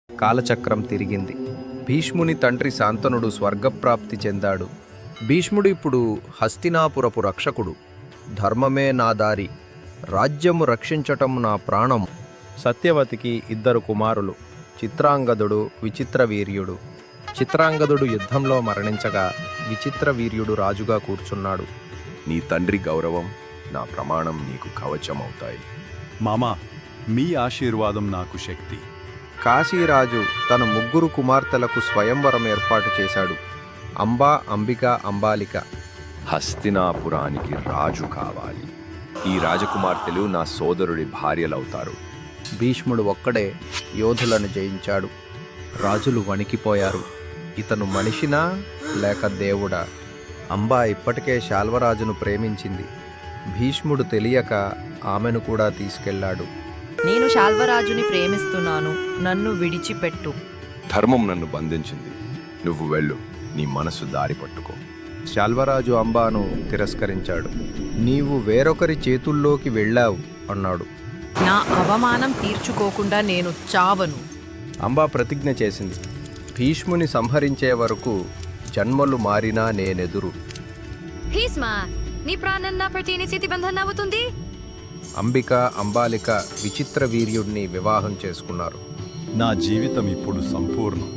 కాలచక్రం తిరిగింది. భీష్ముని తండ్రి శాంతనుడు స్వర్గప్రాప్తి చెందాడు. భీష్ముడు ఇప్పుడు హస్తినాపురపు రక్షకుడు. ధర్మమే నా దారి, రాజ్యము రక్షించటం నా ప్రాణము. సత్యవతికి 2 కుమారులు, చిత్రాంగదుడు, విచిత్రవీర్యుడు. చిత్రాంగదుడు యుద్ధంలో మరణించగా విచిత్రవీర్యుడు రాజుగా కూర్చున్నాడు. నీ తండ్రి గౌరవం, నా ప్రమాణం నీకు కవచమవుతాయి. మామా, మీ ఆశీర్వాదం నాకు శక్తి. కాశీరాజు తన 3 కుమార్తెలకు స్వయంవరం ఏర్పాటు చేశాడు. అంబా, అంబిక, అంబాలిక. హస్తినాపురానికి రాజు కావాలి. ఈ రాజకుమార్తెలు నా సోదరుడి భార్యలవుతారు. భీష్ముడు ఒక్కడే యోధులను జయించాడు. రాజులు వణికిపోయారు. ఇతను మనిషినా లేక దేవుడా? అంబా ఇప్పటికే శాల్వరాజును ప్రేమించింది. భీష్ముడు తెలియక ఆమెను కూడా తీసుకెళ్లాడు. నేను శాల్వరాజుని ప్రేమిస్తున్నాను, నన్ను విడిచిపెట్టు. ధర్మం నన్ను బంధించింది. నువ్వు వెళ్ళు, నీ మనసు దారి పట్టుకో. శాల్వరాజు అంబాను తిరస్కరించాడు. నీవు వేరొకరి చేతుల్లోకి వెళ్ళావు అన్నాడు. నా అవమానం తీర్చుకోకుండా నేను చావను. అంబా ప్రతిజ్ఞ చేసింది. భీష్ముని సంహరించే వరకు జన్మలు మారినా నేనెదురు. భీష్మ, నీ ప్రాణం నా ప్రతినిధి బంధన అవుతుంది. అంబిక, అంబాలిక విచిత్ర వీర్యుడిని వివాహం చేసుకున్నారు. నా జీవితం ఇప్పుడు సంపూర్ణం.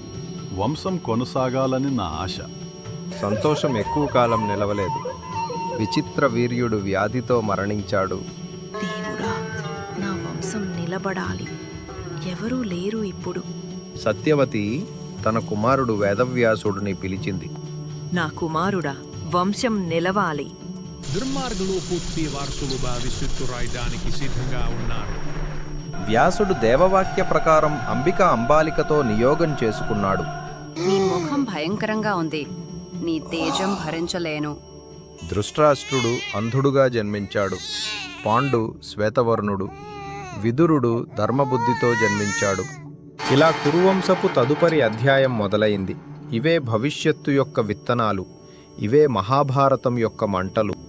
వంశం కొనసాగాలని నా ఆశ. సంతోషం ఎక్కువ కాలం నిలవలేదు. విచిత్ర వీర్యుడు వ్యాధితో మరణించాడు. దేవుడా, నా వంశం నిలబడాలి. ఎవరూ లేరు ఇప్పుడు. సత్యవతి తన కుమారుడు వేదవ్యాసుడిని పిలిచింది. నా కుమారుడా, వంశం నిలవాలి. దుర్మార్గులు పూర్తి వారసులుగా విసుత్తురాయడానికి సిద్ధంగా ఉన్నారు. వ్యాసుడు దేవవాక్య ప్రకారం అంబిక, అంబాలికతో నియోగం చేసుకున్నాడు. నీ ముఖం భయంకరంగా ఉంది, నీ తేజం భరించలేను. ధృతరాష్ట్రుడు అంధుడుగా జన్మించాడు. పాండు శ్వేతవర్ణుడు, విదురుడు ధర్మబుద్ధితో జన్మించాడు. ఇలా కురువంశపు తదుపరి అధ్యాయం మొదలైంది. ఇవే భవిష్యత్తు యొక్క విత్తనాలు. ఇవే మహాభారతం యొక్క మంటలు.